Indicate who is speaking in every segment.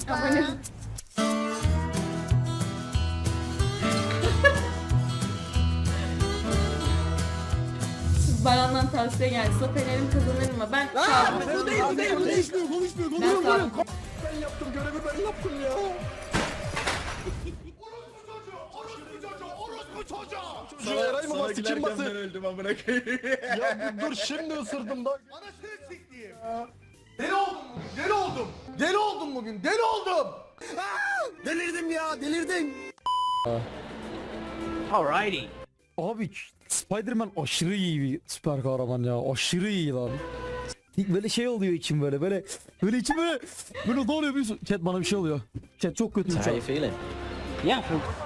Speaker 1: Abone ol. Baran'dan tavsiye geldi. Fener'im kazanır mı? Ben
Speaker 2: Konuşmuyor. Ben yaptım, görevi ben yaptım ya. Çocuğu Eray mı bastı, kim bastı?
Speaker 3: öldüm amına koyayım.
Speaker 2: Ya dur şimdi ısırdım da.
Speaker 3: Anasını sikeyim. Deli oldum bugün. Deli oldum.
Speaker 2: Delirdim ya, delirdim.
Speaker 4: Alrighty.
Speaker 5: Abi Spider-Man aşırı iyi bir süper kahraman ya. Aşırı iyi lan. Böyle şey oluyor içim böyle içim böyle ne oluyor biliyorsun? Chat bana bir şey oluyor. Chat çok kötüyüm şu an.
Speaker 4: feeling? Yeah.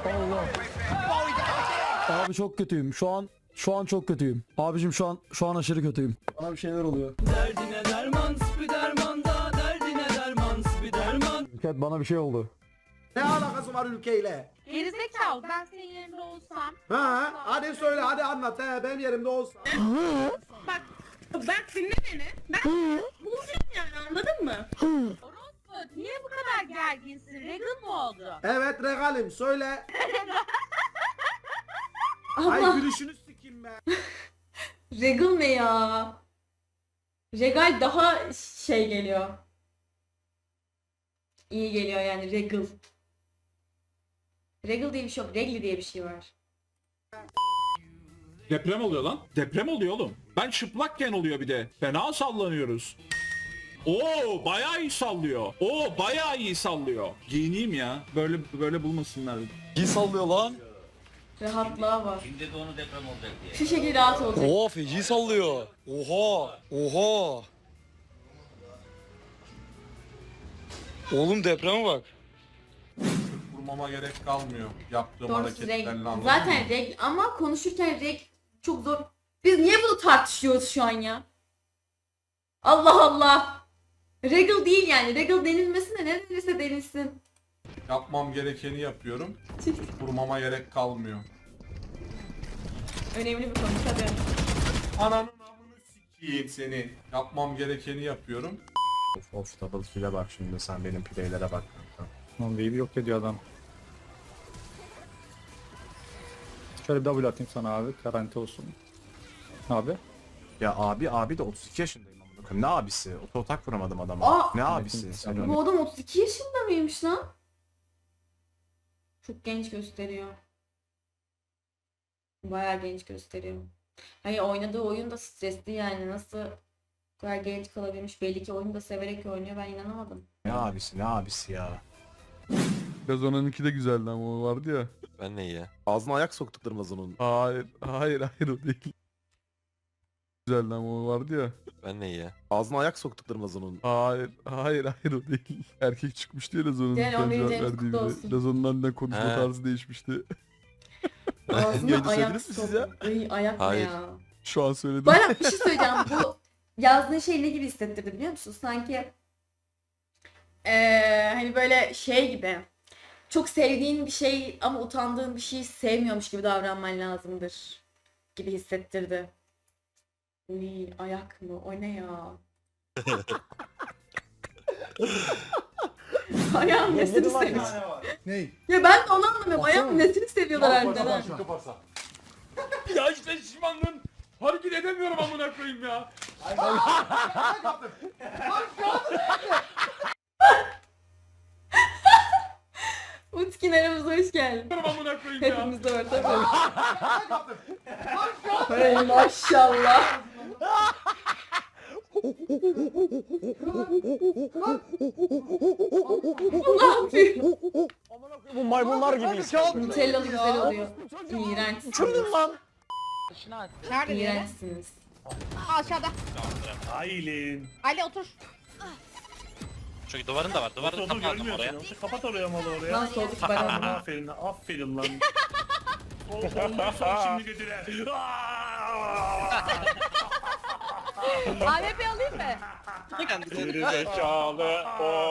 Speaker 5: Abi çok kötüyüm. Şu an çok kötüyüm. Abicim şu an aşırı kötüyüm. Bana bir şeyler oluyor.
Speaker 6: Derdine derman, Spiderman da derdine derman, Spiderman.
Speaker 5: Chat bana bir şey oldu.
Speaker 3: Ne alakası var ülkeyle?
Speaker 1: Gerizekalı, ben senin yerinde olsam.
Speaker 3: Ha? Hadi söyle, hadi anlat. Benim yerimde olsa.
Speaker 1: Bak dinle beni. Ben bulacağım yani, anladın mı? Orospu, niye bu kadar gerginsin? Regal mı oldu?
Speaker 3: Evet regalim, söyle.
Speaker 1: Allah.
Speaker 3: Ay gülüşünü sikeyim be.
Speaker 1: Regal ne ya? Regal daha şey geliyor. İyi geliyor yani Regal. Regal diye bir şey yok. Regli diye bir şey var.
Speaker 7: Deprem oluyor lan. Deprem oluyor oğlum. Ben çıplakken oluyor bir de. Fena sallanıyoruz. Oo bayağı iyi sallıyor. Oo bayağı iyi sallıyor. Giyineyim ya. Böyle bulmasınlar.
Speaker 2: İyi sallıyor lan.
Speaker 1: Rahatlığa var.
Speaker 4: Şimdi de onu deprem olacak diye.
Speaker 1: Şu şekilde rahat olacak.
Speaker 2: Oha, feci sallıyor. Oha. Oğlum depreme bak.
Speaker 8: Vurmama gerek kalmıyor yaptığım
Speaker 1: Doğrusu
Speaker 8: hareketlerle,
Speaker 1: regl.
Speaker 8: anladın
Speaker 1: Zaten
Speaker 8: mı?
Speaker 1: regl ama konuşurken regl çok zor. Biz niye bunu tartışıyoruz şu an ya? Allah Allah. Regal değil yani. Regal denilmesine ne denirse denilsin.
Speaker 8: Yapmam gerekeni yapıyorum. Vurmama gerek kalmıyor.
Speaker 1: Önemli bir konu tabii.
Speaker 8: Ananın amını sikeyim seni. Yapmam gerekeni yapıyorum.
Speaker 9: Of double kill'e bak şimdi, sen benim playlere bak.
Speaker 5: Lan wave'i yok ediyor adam. Şöyle bir double atayım sana abi. Garanti olsun. Abi.
Speaker 9: Ya abi de 32 yaşındayım amına koyayım. Ne abisi? Ototak vuramadım adama.
Speaker 1: Aa!
Speaker 9: Ne abisi? Sen
Speaker 1: Bu adam 32 yaşında mıymış lan? Çok genç gösteriyor. Bayağı genç gösteriyor. Hayır, oynadığı oyun da stresli yani. Nasıl bu kadar genç kalabilmiş? Belli ki oyunu da severek oynuyor. Ben inanamadım.
Speaker 9: Ne abisi ya?
Speaker 10: Gazon'unki de güzeldi ama o vardı ya.
Speaker 2: Ben ne ya?
Speaker 9: Ağzına ayak soktuklarım Gazon'un.
Speaker 10: Hayır o değil. Güzeldi ama o vardı ya.
Speaker 2: Ben ne ya?
Speaker 9: Ağzına ayak soktuklarım Gazon'un.
Speaker 10: Hayır o değil. Erkek çıkmıştı ya Lazon'un
Speaker 1: Yani
Speaker 10: cevap
Speaker 1: 11. James
Speaker 10: verdiği
Speaker 1: kutlu
Speaker 10: biri.
Speaker 1: olsun.
Speaker 10: Lazon'un aniden konuşma
Speaker 2: He.
Speaker 10: tarzı değişmişti.
Speaker 1: Ağzına
Speaker 10: Yayını
Speaker 1: ayak
Speaker 10: söylediniz mi siz ya?
Speaker 1: sok. Ay, ayak ne
Speaker 2: Hayır.
Speaker 1: ya?
Speaker 10: Şu an söyledim.
Speaker 1: Bana bir şey söyleyeceğim. Bu yazdığın şey ne gibi hissettirdi biliyor musun? Sanki hani böyle şey gibi. Çok sevdiğin bir şey ama utandığın bir şeyi sevmiyormuş gibi davranman lazımdır gibi hissettirdi. Uy, ayak mı? O ne ya? Ayağın nesini seviyor?
Speaker 3: Ney?
Speaker 1: Ya ben de onu anlamıyorum. Ayağın nesini seviyorlar harbiden ha?
Speaker 7: Ya işte şişmanlığım. Hareket edemiyorum amına koyayım ya.
Speaker 1: Utkin aramıza hoş geldin.
Speaker 7: Amına koyayım ya.
Speaker 1: Hepimiz de var tabii. Hey maşallah. Ne yapıyor?
Speaker 2: Bu maymunlar gibiyiz.
Speaker 1: Nutellalı güzel oluyor. İğrençsiniz.
Speaker 2: lan.
Speaker 1: İğrençsiniz.
Speaker 6: Aşağıda.
Speaker 8: Aylin.
Speaker 6: Ali otur.
Speaker 4: Çünkü duvarın da var. Duvarı kapattım oraya.
Speaker 8: Kapat oraya malı oraya.
Speaker 1: Lan soğuduk bana.
Speaker 8: Aferin lan. Ondan sonra şimdi götüre.
Speaker 6: AWP alayım mı?
Speaker 7: Geri zekalı.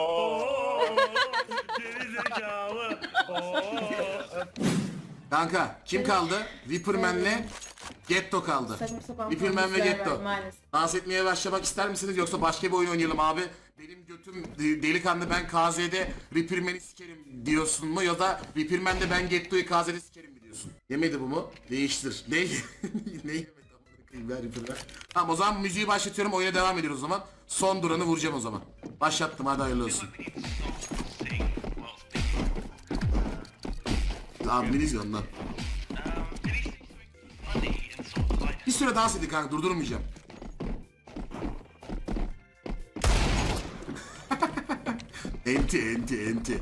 Speaker 8: Geri zekalı.
Speaker 3: Kanka kim kaldı? Viperman'le
Speaker 8: Getto kaldı.
Speaker 1: Saçma sapan
Speaker 8: Ripperman ve
Speaker 1: promisler
Speaker 8: Getto.
Speaker 1: var maalesef.
Speaker 8: Dans etmeye başlamak ister misiniz yoksa başka bir oyun oynayalım abi? Benim götüm delikanlı, ben KZ'de Ripperman'i sikerim diyorsun mu, ya da Ripperman'de ben Getto'yu KZ'de sikerim mi diyorsun? Yemedi bu mu? Değiştir. Ne yemedi? Amına koyayım ya Ripperman. Tamam, o zaman müziği başlatıyorum, oyuna devam ediyoruz o zaman. Son duranı vuracağım o zaman. Başlattım, hadi hayırlı olsun. Abi ne izliyorsun lan? Bir süre dans edin kanka, durdurmayacağım. enti.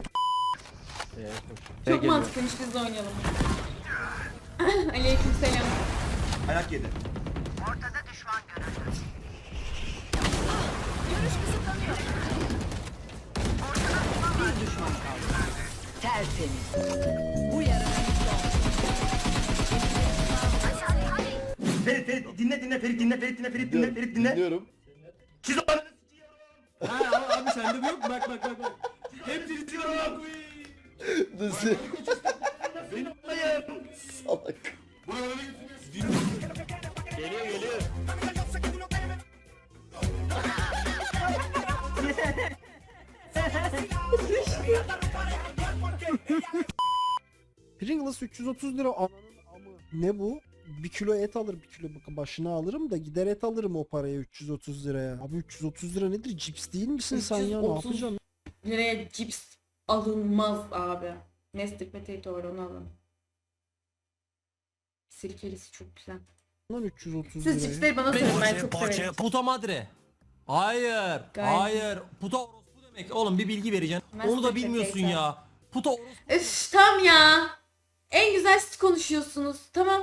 Speaker 1: Çok mantıklıymış, biz de oynayalım. Aleykümselam.
Speaker 3: Ayak yedi.
Speaker 6: Ferit dinle Ferit dinle.
Speaker 3: Dinliyorum.
Speaker 6: Siz o ananı
Speaker 3: Ha abi sende bu yok mu? Bak. Hep dinliyorum abi. Nasıl?
Speaker 6: benim olayım.
Speaker 3: Salak.
Speaker 6: Geliyor.
Speaker 3: Pringles 330 lira ananın amı. Ne bu? 1 kilo et alır, 1 kilo başına alırım da gider et alırım o paraya 330 liraya. Abi 330 lira nedir? Cips değil misin sen ya? Ne
Speaker 1: 330
Speaker 3: yapacaksın?
Speaker 1: liraya cips alınmaz abi. Nestle Potato var, onu alın. Sirkelisi çok güzel.
Speaker 3: Lan 330
Speaker 1: Siz
Speaker 3: liraya.
Speaker 1: cipsleri bana sorun, ben çok severim.
Speaker 5: Puta madre. Hayır.
Speaker 1: Gayet
Speaker 5: Hayır. Puta orospu demek. Oğlum bir bilgi vereceksin.
Speaker 1: Master
Speaker 5: Onu da bilmiyorsun
Speaker 1: Potato.
Speaker 5: ya. Puta orospu.
Speaker 1: Üf tam ya. En güzel siz konuşuyorsunuz. Tamam.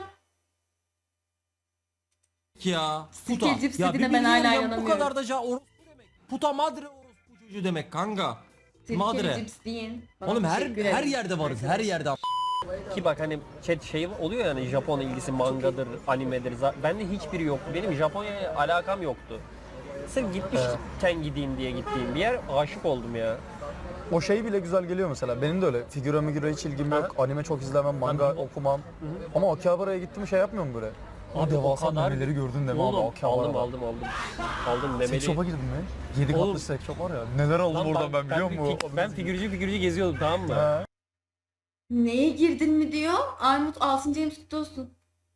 Speaker 5: Ya.
Speaker 1: Sirke
Speaker 5: Puta.
Speaker 1: cips
Speaker 5: Ya bir
Speaker 1: dediğine ben
Speaker 5: bilgi
Speaker 1: hala
Speaker 5: vereceğim. Bu
Speaker 1: inanamıyorum.
Speaker 5: kadar da orospu demek. Puta madre orospu çocuğu demek kanka.
Speaker 1: Sirkeli
Speaker 5: Madre.
Speaker 1: cips deyin. Bana
Speaker 5: Oğlum her
Speaker 1: teşekkür
Speaker 5: her
Speaker 1: ederim.
Speaker 5: yerde varız. Her yerde.
Speaker 6: Ki bak hani chat şey oluyor yani Japon ilgisi mangadır, animedir. Bende hiçbiri yok. Benim Japonya'ya alakam yoktu. Sırf gitmişken gideyim diye gittiğim bir yer, aşık oldum ya.
Speaker 9: O şey bile güzel geliyor mesela. Benim de öyle. Figüre hiç ilgim yok. Anime çok izlemem, manga okumam. Ama Akihabara'ya gittim şey yapmıyorum böyle.
Speaker 6: Abi
Speaker 9: devasa
Speaker 6: o kadar-
Speaker 9: memeleri gördün deme abi
Speaker 6: Oğlum
Speaker 9: Akihabara'da.
Speaker 6: aldım memeli.
Speaker 9: Seks shop'a girdim mi? 7
Speaker 6: Oğlum.
Speaker 9: katlı seks shop var ya. Neler aldım
Speaker 6: Lan
Speaker 9: oradan ben biliyor musun?
Speaker 6: Ben figürcü geziyordum, tamam mı?
Speaker 9: He.
Speaker 1: Neye girdin mi diyor. Armut 6. James kutlu olsun.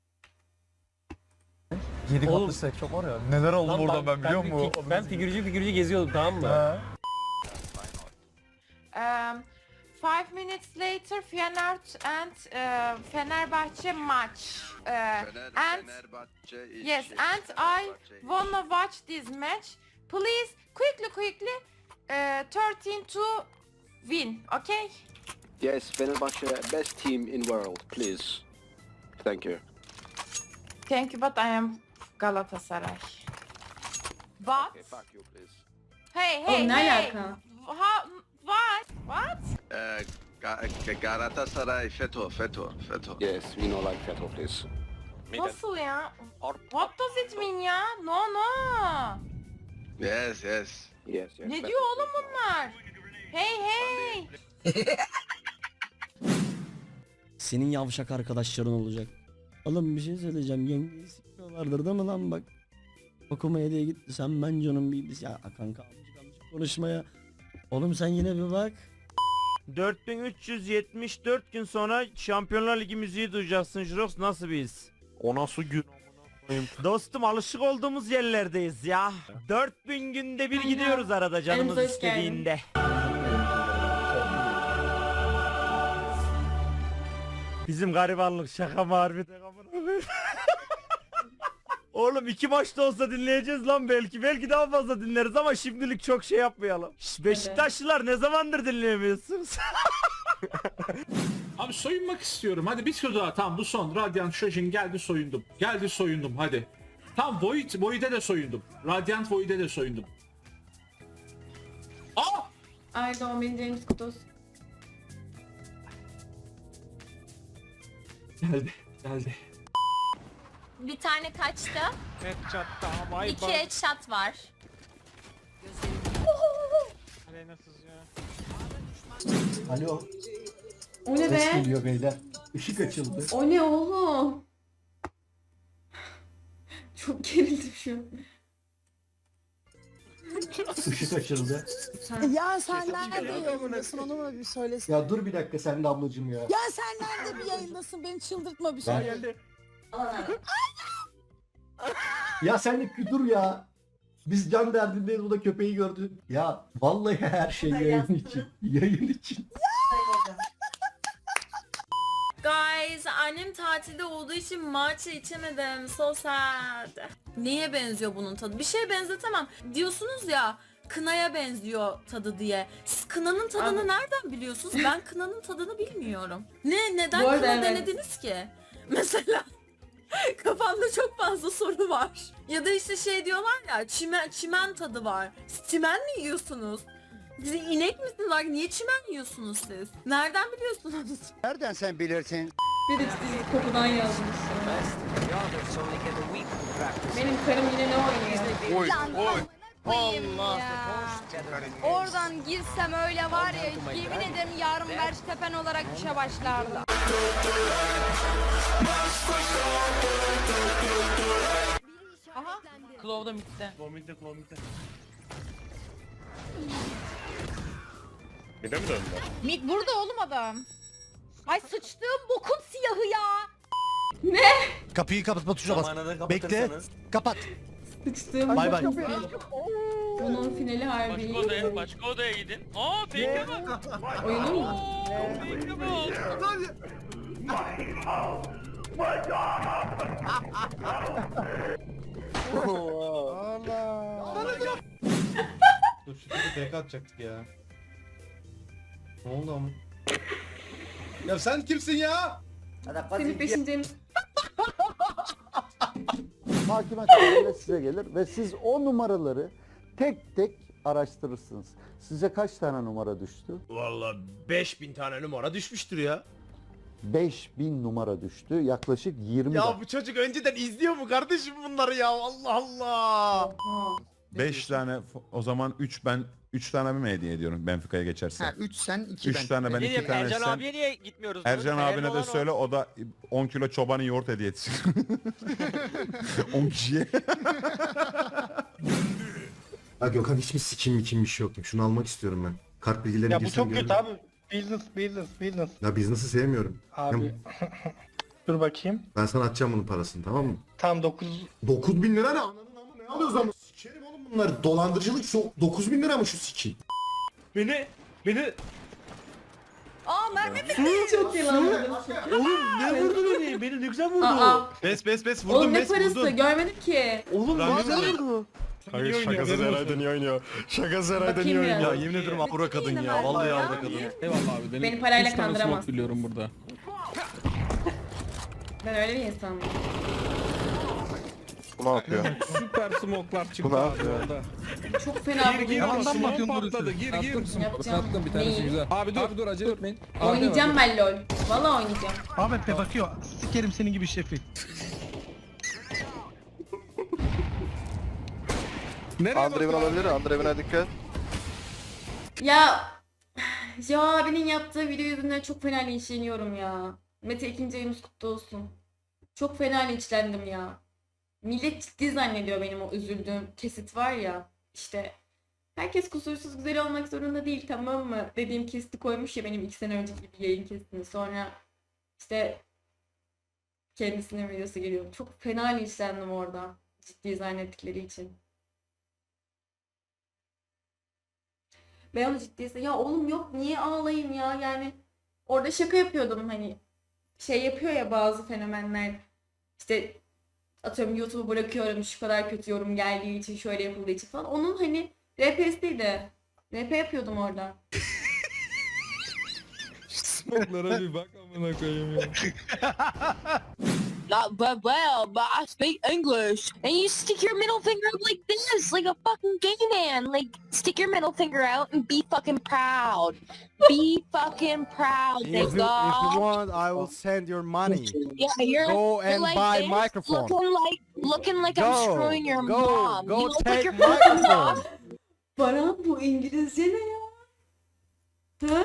Speaker 9: 7
Speaker 6: Oğlum.
Speaker 9: katlı seks shop var ya. Neler aldım
Speaker 6: Lan
Speaker 9: oradan ben biliyor musun?
Speaker 6: Ben figürcü geziyordum, tamam mı?
Speaker 9: He.
Speaker 11: 5 minutes later Feyenoord and Fenerbahçe match. And yes, and I wanna watch this match. Please, quickly, 13 to win, okay?
Speaker 6: Yes, Fenerbahçe best team in world, please. Thank you.
Speaker 11: Thank you, but I am Galatasaray. But
Speaker 6: fuck you please.
Speaker 11: hey,
Speaker 1: Oğlum ne
Speaker 11: hey.
Speaker 1: alaka?
Speaker 11: What? What?
Speaker 6: Galatasaray FETÖ. Yes, we know like FETÖ please.
Speaker 11: Nasıl ya? What does it mean ya? No.
Speaker 6: Yes.
Speaker 11: Ne diyor oğlum bunlar? Hey.
Speaker 5: Senin yavşak arkadaşların olacak. Oğlum bir şey söyleyeceğim. Yengeyi sikmiyorlardır değil mi lan bak. Okumaya diye gitti. Sen ben canım bir ya kanka amcık konuşmaya. Oğlum sen yine bir bak.
Speaker 6: 4374 gün sonra Şampiyonlar Ligi müziği duyacaksın Jirox, nasıl biz?
Speaker 10: O nasıl gün?
Speaker 6: Dostum alışık olduğumuz yerlerdeyiz ya. 4000 günde bir
Speaker 1: Aynen.
Speaker 6: gidiyoruz arada canımız
Speaker 1: Elinize hoş geldin.
Speaker 6: istediğinde. Bizim garibanlık şaka mı harbiden amına koyayım? Oğlum 2 maçta olsa dinleyeceğiz lan belki. Belki daha fazla dinleriz ama şimdilik çok şey yapmayalım. Şş, Beşiktaşlılar ne zamandır dinleyemiyorsunuz?
Speaker 7: Abi soyunmak istiyorum. Hadi bir tur daha. Tamam bu son. Radiant Shojin geldi soyundum. Hadi. Tamam Void'e de soyundum. Radiant Void'e de soyundum. Aa!
Speaker 1: Ay doğum günün James kutlu olsun.
Speaker 7: Geldi.
Speaker 11: Bir tane kaçtı.
Speaker 6: Headshot daha bay
Speaker 11: 2 headshot var.
Speaker 3: Alo.
Speaker 1: O ne be?
Speaker 3: Geliyor beyler. Işık açıldı.
Speaker 1: O ne oğlum? Çok gerildim şu an.
Speaker 3: Işık açıldı.
Speaker 11: Ya sen nerede yayındasın onu mu bir söylesin.
Speaker 3: Ya dur bir dakika sen de ablacım ya.
Speaker 11: Ya sen nerede bir yayındasın beni çıldırtma bir şey.
Speaker 3: Ya sen de dur ya. Biz can derdindeyiz, bu da köpeği gördü. Ya vallahi her şey yayın için. Yayın için.
Speaker 1: Guys, annem tatilde olduğu için matcha içemedim. So sad. Neye benziyor bunun tadı? Bir şeye benzetemem. Diyorsunuz ya kınaya benziyor tadı diye. Siz kınanın tadını nereden biliyorsunuz? Ben kınanın tadını bilmiyorum. Neden
Speaker 11: Bu arada
Speaker 1: kına
Speaker 11: evet.
Speaker 1: denediniz ki? Mesela kafamda çok fazla soru var. Ya da işte şey diyorlar ya çimen tadı var. Siz çimen mi yiyorsunuz? Siz inek misiniz? Bak niye çimen yiyorsunuz siz? Nereden biliyorsunuz?
Speaker 9: Nereden sen bilirsin?
Speaker 1: Bir de işte kokudan yazmış. Benim karım yine ne oynuyor?
Speaker 11: Allah. Oradan girsem öyle var ya yemin ederim yarın Verstappen olarak işe başlardı. Aha.
Speaker 6: Claw'da bitti.
Speaker 11: Mid burada oğlum adam. Ay sıçtığım bokun siyahı ya.
Speaker 9: Kapıyı kapatma tuşuna bas. Bekle. Kapat.
Speaker 1: Sıçtığım
Speaker 9: Bay bay.
Speaker 1: bunun finali harbi iyi.
Speaker 4: Başka odaya gidin. Aa fake'e bak.
Speaker 1: Oyunu mu?
Speaker 4: Fake'e bak.
Speaker 2: Dur şu tipi tek atacaktık ya. Ne oldu ama? Ya sen kimsin ya?
Speaker 1: Senin peşindeyim.
Speaker 9: Mahkeme kararıyla size gelir ve siz o numaraları tek tek araştırırsınız. Size kaç tane numara düştü?
Speaker 2: Vallahi 5000 tane numara düşmüştür ya.
Speaker 9: 5000 numara düştü. Yaklaşık 20
Speaker 2: Ya bu çocuk önceden izliyor mu kardeşim bunları ya? Allah Allah.
Speaker 10: 5 tane o zaman 3 tane mi hediye ediyorum Benfica'ya geçerse?
Speaker 9: 3 sen 2
Speaker 10: 3 tane ben 2 tane sen.
Speaker 4: niye gitmiyoruz?
Speaker 10: Ercan abine de söyle, o da 10 kilo çobanı yoğurt hediye etsin. 10 kişiye.
Speaker 3: Ya Gökhan hiç mi sikim bir şey yok. Şunu almak istiyorum ben. Kart bilgilerini
Speaker 2: Ya bu çok kötü abi. Business.
Speaker 3: Ya business'ı sevmiyorum.
Speaker 2: Abi. Dur bakayım.
Speaker 3: Ben sana atacağım bunun parasını, tamam mı?
Speaker 2: Tam
Speaker 3: 9.000 lira ne? Ananın amı ne alıyoruz ama? Sikerim oğlum bunları. Dolandırıcılık 9.000 lira mı şu sikin?
Speaker 2: Beni
Speaker 11: Aa mermi mi?
Speaker 1: Çok yalanladım.
Speaker 2: oğlum ne vurdu beni? Beni ne güzel vurdu.
Speaker 1: Aa,
Speaker 10: Bes
Speaker 1: oğlum ne parası? Görmedim ki.
Speaker 2: Oğlum ne güzel vurdu.
Speaker 10: Hayır, şakasız herhalde niye oynuyor? Şakasız herhalde niye
Speaker 1: Bakayım
Speaker 10: oynuyor?
Speaker 1: ya.
Speaker 10: Ya yemin ederim avra kadın ya. Vallahi avra kadın.
Speaker 2: Eyvallah abi.
Speaker 1: Beni parayla kandıramaz.
Speaker 2: biliyorum burada.
Speaker 1: Ben öyle bir insan mıyım?
Speaker 10: Bu ne yapıyor?
Speaker 2: Süper smoklar çıktı
Speaker 10: Bu ne
Speaker 2: abi
Speaker 10: yapıyor?
Speaker 2: orada.
Speaker 1: Çok fena bu.
Speaker 2: Yalandan bakıyorsun patladı. Gir.
Speaker 1: Yapacağım. Neyi?
Speaker 2: Abi dur acele etmeyin.
Speaker 1: Oynayacağım ben LOL. Valla oynayacağım.
Speaker 2: Ahmet Bey bakıyor. Sikerim senin gibi şefi.
Speaker 10: Andrev'in olabilir. Andrev'ine dikkat.
Speaker 1: Ya abinin yaptığı video yüzünden çok fena linçleniyorum ya. Mete 2. ayımız kutlu olsun. Çok fena linçlendim ya. Millet ciddi zannediyor benim o üzüldüğüm kesit var ya. İşte herkes kusursuz güzel olmak zorunda değil, tamam mı? Dediğim kesiti koymuş ya benim 2 sene önceki bir yayın kesitini. Sonra işte kendisinin videosu geliyor. Çok fena linçlendim orada. Ciddi zannettikleri için. Ben onu ciddiyse ya oğlum yok niye ağlayayım ya, yani orada şaka yapıyordum, hani şey yapıyor ya bazı fenomenler, işte atıyorum YouTube'u bırakıyorum şu kadar kötü yorum geldiği için, şöyle yapıldığı için falan, onun hani RP'siydi. RP yapıyordum orada.
Speaker 2: Smoklara bir bak amına koyayım ya.
Speaker 11: Not well, but I speak English. And you stick your middle finger up like this, like a fucking gay man. Like, stick your middle finger out and be fucking proud. Be fucking proud,
Speaker 3: If you
Speaker 11: nigga.
Speaker 3: want, I will send your money.
Speaker 11: Yeah, you're,
Speaker 3: Go
Speaker 11: you're
Speaker 3: and
Speaker 11: like
Speaker 3: buy
Speaker 11: this,
Speaker 3: microphone.
Speaker 11: looking like I'm screwing your mom.
Speaker 3: Go
Speaker 11: You look like
Speaker 3: take
Speaker 11: you're fucking
Speaker 3: microphone.
Speaker 11: mom.
Speaker 1: Baran bu İngilizce ne ya? Ha?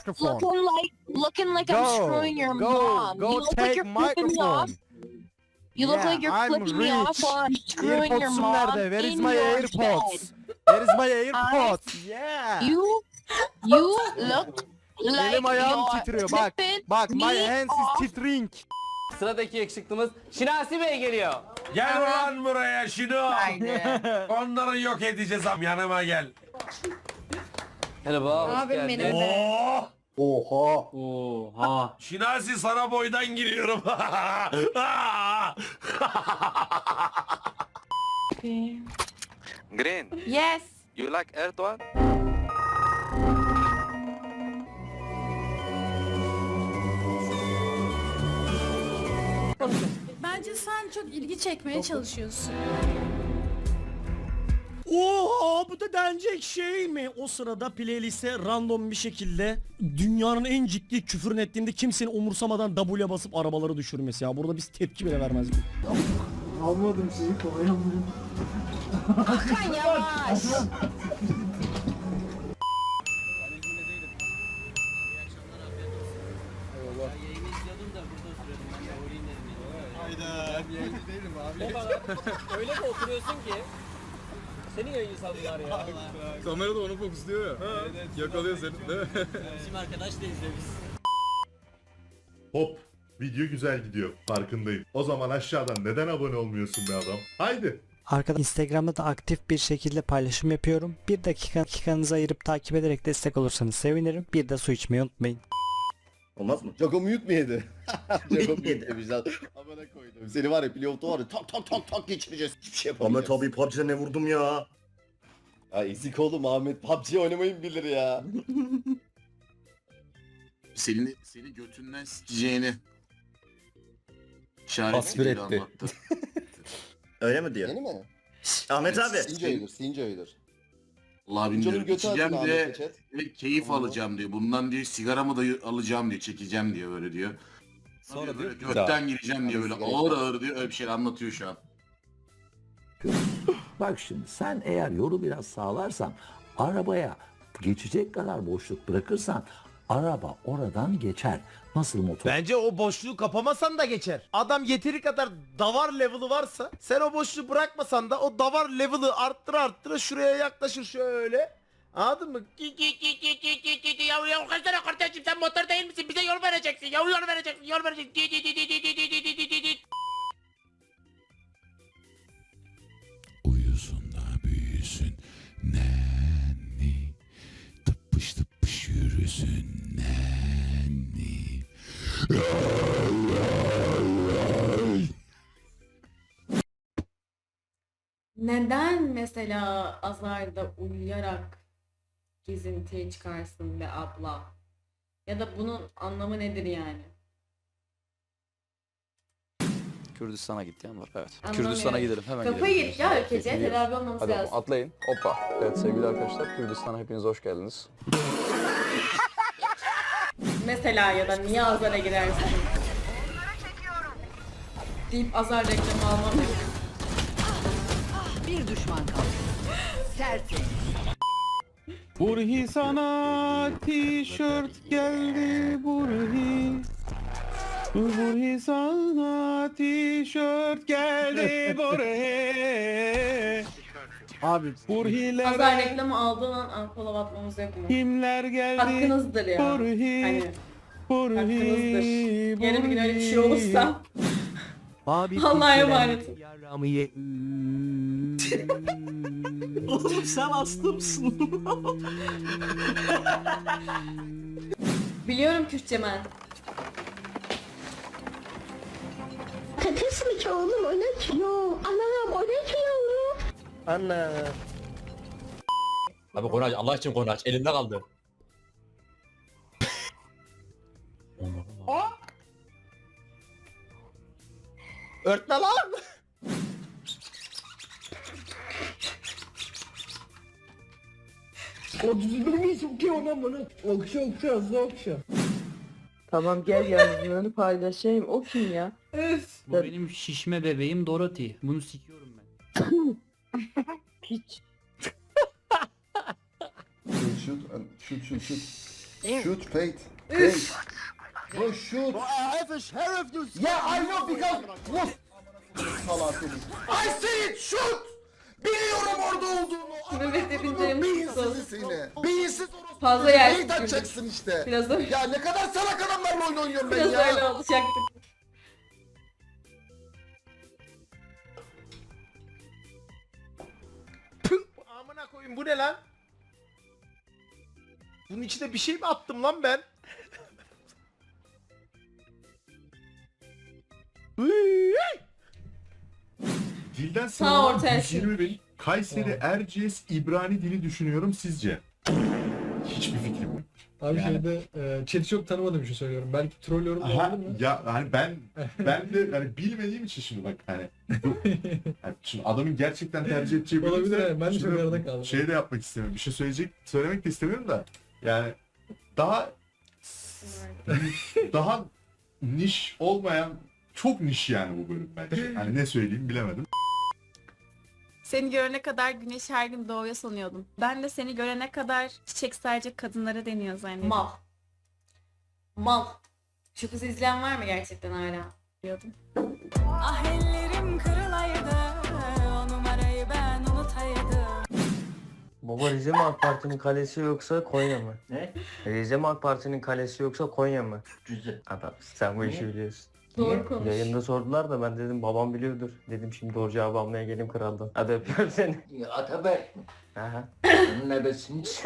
Speaker 3: Microphone.
Speaker 11: Looking like I'm screwing your mom.
Speaker 3: Go
Speaker 11: You look like
Speaker 3: take
Speaker 11: you're flipping me off.
Speaker 3: microphone.
Speaker 11: You look
Speaker 3: Yeah,
Speaker 11: like you're
Speaker 3: I'm
Speaker 11: flipping me off
Speaker 3: rich.
Speaker 11: while I'm screwing your
Speaker 3: AirPods'um
Speaker 11: mom
Speaker 3: nerede? Where is
Speaker 11: in
Speaker 3: my
Speaker 11: your
Speaker 3: AirPods?
Speaker 11: bed.
Speaker 3: Where is my AirPods? Yeah.
Speaker 11: You looked like
Speaker 3: Elim ayağım
Speaker 11: you're
Speaker 3: titriyor bak.
Speaker 11: flipping
Speaker 3: Bak my
Speaker 11: me
Speaker 3: hands
Speaker 11: off.
Speaker 3: is tittering.
Speaker 6: Sıradaki yakışıklımız Şinasi Bey geliyor.
Speaker 12: Gel ulan buraya şunu.
Speaker 11: Haydi.
Speaker 12: Onları yok edeceğiz am yanıma gel.
Speaker 6: Merhaba, hoş
Speaker 1: Abim
Speaker 6: geldin.
Speaker 1: benim be.
Speaker 12: Oha.
Speaker 6: Oha.
Speaker 12: Şinasi sana boydan giriyorum.
Speaker 4: Green,
Speaker 1: Yes.
Speaker 4: you like Erdoğan?
Speaker 1: Bence sen çok ilgi çekmeye çalışıyorsun.
Speaker 3: Oha bu da denecek şey mi? O sırada playlist'e random bir şekilde dünyanın en ciddi küfürün ettiğinde kimsenin umursamadan W'ye basıp arabaları düşürmesi ya. Burada biz tepki bile vermezdik.
Speaker 11: Hakan yavaş.
Speaker 6: Öyle de oturuyorsun ki. Seni yayın sandılar ya.
Speaker 2: Kamera da onu fokusluyor ya. Yakalıyor seni değil mi?
Speaker 6: Bizim arkadaş da izlemiş.
Speaker 10: Hop. Video güzel gidiyor. Farkındayım. O zaman aşağıdan neden abone olmuyorsun be adam? Haydi.
Speaker 3: Arkadaşlar Instagram'da da aktif bir şekilde paylaşım yapıyorum. Bir dakikanızı ayırıp takip ederek destek olursanız sevinirim. Bir de su içmeyi unutmayın.
Speaker 9: Olmaz mı? Jago mute mu yedi? Jago mute yemiş lan. Amına koydum. Seni var ya pilotu var ya tak geçireceğiz. Hiçbir şey yapamayacağız. Ahmet abi PUBG'de ne vurdum ya? Ya ezik oğlum Ahmet PUBG oynamayı bilir ya.
Speaker 8: Seni götünden sikeceğini
Speaker 9: Tasvir etti.
Speaker 8: anlattı.
Speaker 9: Öyle mi diyor? Yeni mi? Ahmet abi. Sinco'ydur.
Speaker 8: Allah bilmiyorum. İçeceğim de ve keyif alacağım diyor. Bundan diyor sigaramı da alacağım diyor. Çekeceğim diyor böyle diyor. Sonra böyle gökten gireceğim diyor böyle ağır diyor. Öyle bir şey anlatıyor şu an.
Speaker 12: Bak şimdi sen eğer yolu biraz sağlarsan arabaya geçecek kadar boşluk bırakırsan araba oradan geçer. Nasıl motor?
Speaker 3: Bence o boşluğu kapamasan da geçer. Adam yeteri kadar davar level'ı varsa sen o boşluğu bırakmasan da o davar level'ı arttıra şuraya yaklaşır şöyle. Anladın mı?
Speaker 1: Ya kaç tane kardeşim sen motor değil misin? Bize yol vereceksin. Yol vereceksin.
Speaker 12: Uyusun da büyüsün nenni, tıpış tıpış yürüsün nenni.
Speaker 1: Neden mesela azarda uyuyarak gezintiye çıkarsın be abla? Ya da bunun anlamı nedir yani?
Speaker 9: Kürdistan'a gittiğim var evet.
Speaker 1: Anlamıyorum.
Speaker 9: Kürdistan'a gidelim hemen
Speaker 1: Kafayı yedik ya ülkece.
Speaker 9: Gidiyoruz.
Speaker 1: Tedavi olmamız
Speaker 9: Hadi
Speaker 1: lazım.
Speaker 9: atlayın. Hoppa. Evet sevgili arkadaşlar Kürdistan'a hepiniz hoş geldiniz.
Speaker 1: Mesela ya da niye azara girersin? Deyip azar reklamı almam.
Speaker 11: Bir düşman kaldı. Tertemiz.
Speaker 2: Burhi sana tişört geldi Burhi. Burhi sana tişört geldi Burhi. Abi Burhiler
Speaker 1: Azar reklamı aldığın an unfollow atmamız yok mu?
Speaker 2: kimler geldi?
Speaker 1: Hakkınızdır ya.
Speaker 2: Burhi.
Speaker 1: Hani
Speaker 2: Burhi.
Speaker 1: hakkınızdır. Yarın bir gün öyle bir şey olursa
Speaker 3: Abi
Speaker 1: Allah'a emanet.
Speaker 3: Oğlum sen hasta mısın?
Speaker 1: Biliyorum Kürtçe ben.
Speaker 11: Patates mi ki oğlum o ne ki? Yo anam o ne ki yavrum?
Speaker 3: Anne.
Speaker 6: Abi konu aç, Allah için konu aç. Elinde kaldı.
Speaker 3: Örtme lan.
Speaker 11: Tamam gel yazılarını paylaşayım. O kim ya?
Speaker 1: Üf.
Speaker 6: Bu benim şişme bebeğim Dorothy. Bunu sikiyorum ben.
Speaker 11: Piç.
Speaker 9: Shoot fate.
Speaker 1: Üf.
Speaker 9: Bro shoot. I have a sheriff. Yeah I know because
Speaker 8: Salak seni. Ay senin şut! Biliyorum orada olduğunu.
Speaker 1: Mehmet yapınca
Speaker 8: Beyinsiz
Speaker 1: yumuşak
Speaker 8: seni. Beyinsiz orospu.
Speaker 1: Fazla yersiz
Speaker 8: Neyi takacaksın işte.
Speaker 1: Biraz da
Speaker 8: Ya ne kadar salak adamlarla oyun oynuyorum ben
Speaker 1: biraz
Speaker 8: ya.
Speaker 1: öyle olacaktı.
Speaker 13: Amına koyayım bu ne lan? Bunun içine bir şey mi attım lan ben?
Speaker 10: Dilden
Speaker 1: Sağ ortaya şu.
Speaker 10: 120.000. Kayseri Erciyes İbrani dili düşünüyorum sizce. Hiçbir fikrim yok.
Speaker 2: Abi
Speaker 10: Yani-
Speaker 2: şeyde chat'i çok tanımadığım için söylüyorum. Belki troll yorum da
Speaker 10: Aha,
Speaker 2: olabilir mi?
Speaker 10: ya hani ben de hani bilmediğim için şimdi bak hani, hani şimdi adamın gerçekten tercih edeceği bir
Speaker 2: Olabilir,
Speaker 10: ise
Speaker 2: evet. Ben de
Speaker 10: şimdi
Speaker 2: çok arada kaldım.
Speaker 10: Şey de yapmak istemiyorum. Bir şey söylemek de istemiyorum da yani daha daha niş olmayan çok niş yani bu bölüm bence. Hani ne söyleyeyim bilemedim.
Speaker 1: Seni görene kadar güneş her gün doğuyor sanıyordum. Ben de seni görene kadar çiçek sadece kadınlara deniyor zannediyordum. Mal. Mal. Şu kızı izleyen var mı gerçekten hala? Diyordum. Ah ellerim kırılaydı. O numarayı ben unutaydım.
Speaker 6: Baba Rize mi AK Parti'nin kalesi yoksa Konya mı?
Speaker 12: Ne?
Speaker 6: Rize mi AK Parti'nin kalesi yoksa Konya mı?
Speaker 12: Rize.
Speaker 6: Adam sen bu işi biliyorsun.
Speaker 1: Doğru konuş.
Speaker 6: Yayında sordular da ben dedim babam biliyordur. Dedim şimdi doğru cevabı almaya geleyim kraldan. Hadi öpüyorum seni.
Speaker 12: Ataberk.
Speaker 6: Aha.
Speaker 12: Onun nebesiniz.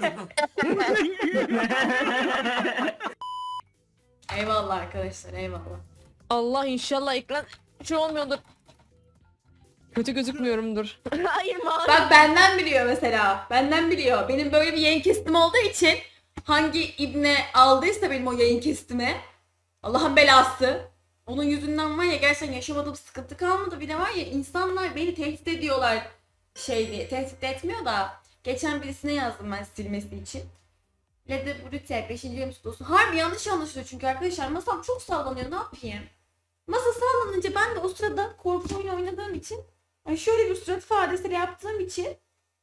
Speaker 1: Eyvallah arkadaşlar, eyvallah.
Speaker 11: Allah inşallah ekran şey olmuyordur. Kötü gözükmüyorumdur. Hayır mavi.
Speaker 1: Bak benden biliyor mesela. Benden biliyor. Benim böyle bir yayın kestim olduğu için hangi ibne aldıysa benim o yayın kestimi, Allah'ın belası. Onun yüzünden var ya gerçekten yaşamadığım sıkıntı kalmadı. Bir de var ya insanlar beni tehdit ediyorlar şey diye. Tehdit etmiyor da. Geçen birisine yazdım ben silmesi için. Lede Brüte 5. bölüm stosu. Harbi yanlış anlaşılıyor çünkü arkadaşlar. Masam çok sallanıyor, ne yapayım? Masa sallanınca ben de o sırada korku oyunu oynadığım için, yani şöyle bir surat ifadesiyle yaptığım için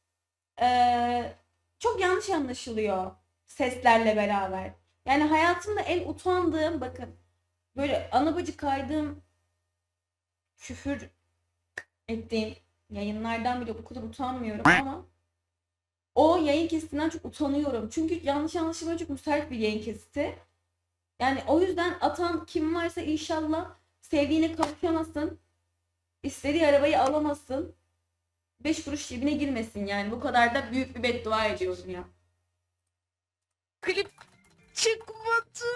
Speaker 1: çok yanlış anlaşılıyor seslerle beraber. Yani hayatımda en utandığım, bakın böyle ana bacı kaydığım, küfür ettiğim yayınlardan bile bu kadar utanmıyorum ama o yayın kesitinden çok utanıyorum. Çünkü yanlış anlaşılmaya çok müsait bir yayın kesiti. Yani o yüzden atan kim varsa inşallah sevdiğine kavuşamasın. İstediği arabayı alamasın. 5 kuruş cebine girmesin yani. Bu kadar da büyük bir beddua ediyorum ya.
Speaker 11: Klip çıkmadı.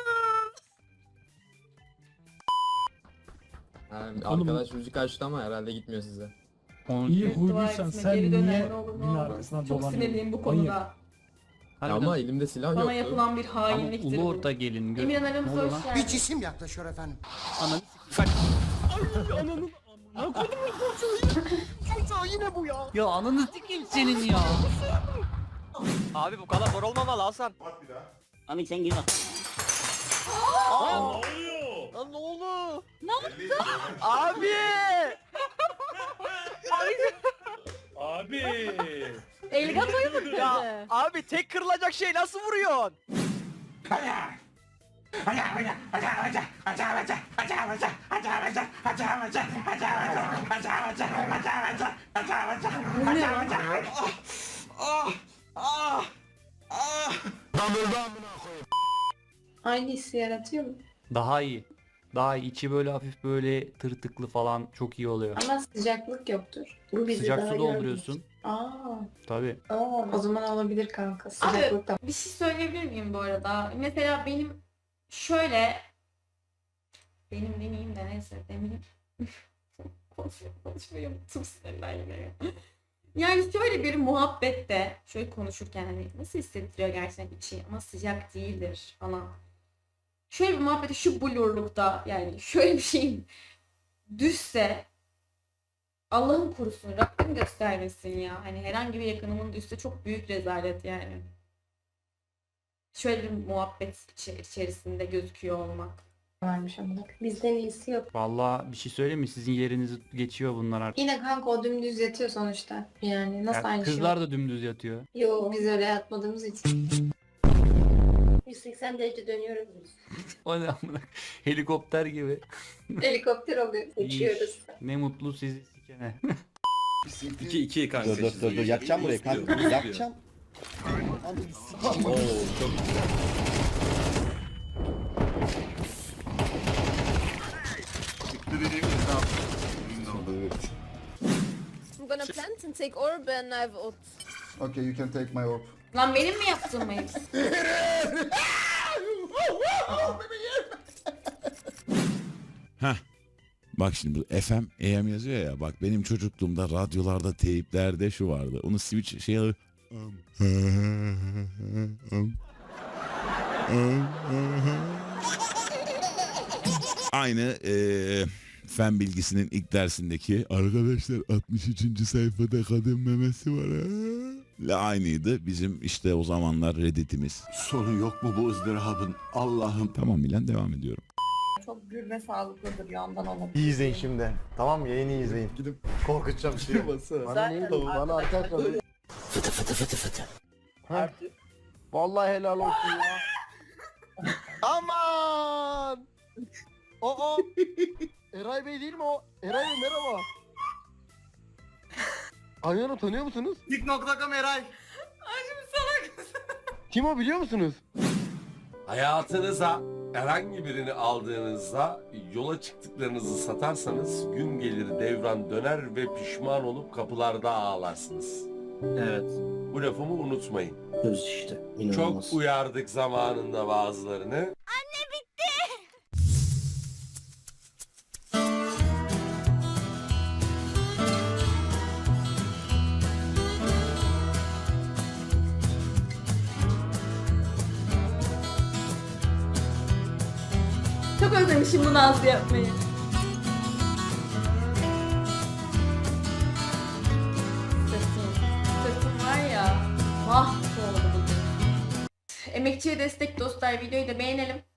Speaker 3: Arkadaş
Speaker 2: müzik açtı ama herhalde gitmiyor size.
Speaker 3: İyi
Speaker 1: Dua
Speaker 3: huyluysan
Speaker 1: etsin,
Speaker 3: sen
Speaker 1: geri döner,
Speaker 3: niye
Speaker 1: ne olur, ne
Speaker 3: bin
Speaker 1: olmaz.
Speaker 3: arkasından
Speaker 1: Çok
Speaker 3: dolanıyorsun?
Speaker 1: sinirliyim bu konuda.
Speaker 3: Ama
Speaker 2: elimde silah
Speaker 1: Bana yapılan bir hainliktir bu.
Speaker 3: gelin.
Speaker 1: Emirhan aramıza hoş geldin.
Speaker 8: cisim yaklaşıyor efendim.
Speaker 3: Ananı
Speaker 13: Yine bu ya.
Speaker 3: Ya ananı sikeyim senin ya.
Speaker 6: Abi bu kadar zor olmamalı Hasan.
Speaker 12: Amik sen gir bak.
Speaker 13: Lan ne oldu?
Speaker 6: Abi!
Speaker 1: Elgatoyu mu kırdı?
Speaker 6: Abi tek kırılacak şey nasıl vuruyorsun?
Speaker 11: Aynı hissi yaratıyor mu?
Speaker 3: Daha iyi. Daha iyi. İçi böyle hafif böyle tırtıklı falan çok iyi oluyor.
Speaker 11: Ama sıcaklık yoktur. Bu bizi
Speaker 3: Sıcak
Speaker 11: daha
Speaker 3: su dolduruyorsun.
Speaker 11: Aa,
Speaker 3: Tabii.
Speaker 11: o zaman olabilir kanka.
Speaker 1: Abi
Speaker 11: Sıcaklık da.
Speaker 1: bir şey söyleyebilir miyim bu arada? Mesela benim şöyle, benim demeyeyim de neyse demeyeyim. Konuşmayı unuttum sinirden yine ya. Yani şöyle bir muhabbette şöyle konuşurken hani nasıl hissettiriyor gerçekten içi ama sıcak değildir falan. Şöyle bir muhabbette şu blurlukta yani şöyle bir şeyin düşse, Allah'ım korusun, Rabbim göstermesin ya. Hani herhangi bir yakınımın düşse çok büyük rezalet yani. Şöyle bir muhabbet içerisinde gözüküyor olmak.
Speaker 11: Varmış ama. Bizden iyisi yok.
Speaker 3: Vallahi bir şey söyleyeyim mi? Sizin yerinizi geçiyor bunlar artık.
Speaker 11: Yine kanka o dümdüz yatıyor sonuçta. Yani nasıl
Speaker 3: Ya
Speaker 11: aynı şey?
Speaker 3: kızlar da dümdüz yatıyor.
Speaker 11: Yok biz öyle yatmadığımız için. 180 derece dönüyoruz biz.
Speaker 12: O ne amına? Helikopter gibi.
Speaker 11: Helikopter oluyor. Uçuyoruz.
Speaker 12: Ne mutlu sizi sikene.
Speaker 9: 2 kanka. Dur. Yakacağım burayı kanka. Yakacağım. Oo çok
Speaker 8: Çıktı dediğimiz ne yaptı?
Speaker 11: I'm gonna plant and take orb and I've ult.
Speaker 10: Okay, you can take my orb.
Speaker 1: Lan benim mi yaptığım Mails?
Speaker 14: Heh. Bak şimdi bu FM, AM yazıyor ya. Bak benim çocukluğumda radyolarda, teyiplerde şu vardı. Onu switch şey alır. Aynı fen bilgisinin ilk dersindeki arkadaşlar 63. sayfada kadın memesi var ha. Aynıydı bizim işte o zamanlar Reddit'imiz.
Speaker 12: Sonu yok mu bu ızdırabın? Allah'ım.
Speaker 14: Tamam Milan devam ediyorum.
Speaker 11: Çok gür ve sağlıklıdır yandan olabilir.
Speaker 13: İyi izleyin şimdi. Tamam mı? Yayını iyi izleyin. Gidip korkutacağım şimdi. Bana ne oldu? Bana arkadaşlar. Fıtı. Vallahi helal olsun ya. Aman! Aa! Eray Bey değil mi o? Eray Bey merhaba. Ayhan'ı tanıyor musunuz? Tik.com Eray. Kim o biliyor musunuz?
Speaker 12: Hayatınıza herhangi birini aldığınızda yola çıktıklarınızı satarsanız gün gelir devran döner ve pişman olup kapılarda ağlarsınız.
Speaker 6: Evet.
Speaker 12: Bu lafımı unutmayın.
Speaker 9: Söz işte.
Speaker 12: Çok uyardık zamanında bazılarını.
Speaker 1: Çok özlemişim bu Nazlı yapmayı. Sırtım var ya, mahvoldu bugün. Emekçiye destek dostlar, videoyu da beğenelim.